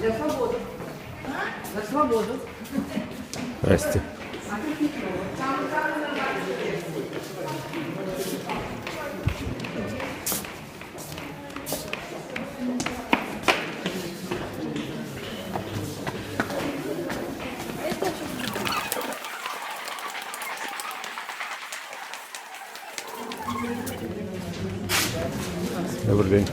За свободу. Здрасте. Добрый день.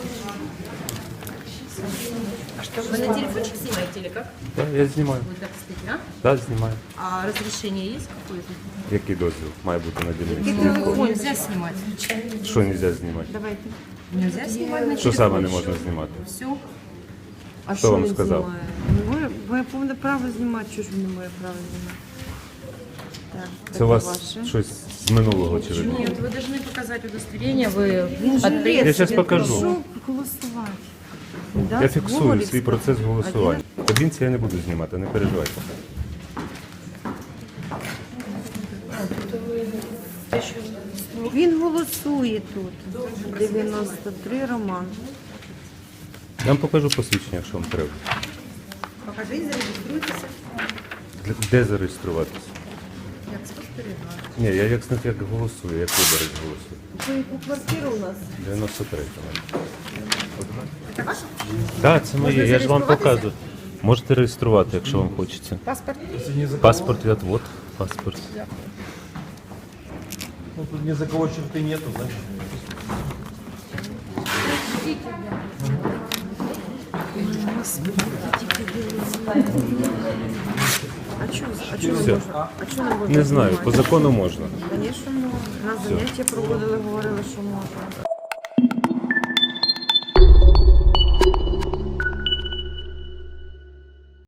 А что, вы на телефончик снимаете или как? Да, я знімаю. Вы так стоите, Да, знімаю. а разрешение есть какое-то? Який дозвіл має бути на дільниці? Нельзя снимать. Що не можна знімати? Давайте. Нельзя снимать на Що телефон. саме не можна знімати? Все. А Хто вам сказав? Моє повне право знімати, що ж ви не моє право знімати? Так, Це у вас щось з минулого чи ви? Нет, вы должны показать удостоверение, вы Я зараз покажу. Що голосувати? Да, Я фіксую Гоголівська. свій процес голосування. В кабінці я не буду знімати, не переживайте. Він голосує тут. 93 Роман. Я вам покажу посвідчення, якщо вам треба. покажите, зарегиструйтесь. Де зареєструватися? Я спостерігаю. Ні, я як голосую, як виборець голосую. Це яку квартиру у нас? 93 Так, це моє, я ж вам показую. Можете реєструвати, якщо вам хочеться. Паспорт? Паспорт, вот, паспорт. Ну, тут ни за кого черты нету, значит. А чого Все. не можна? А чого не можна? Не знаю, по закону можна. Звісно, можна. На заняття проводили, говорили, що можна.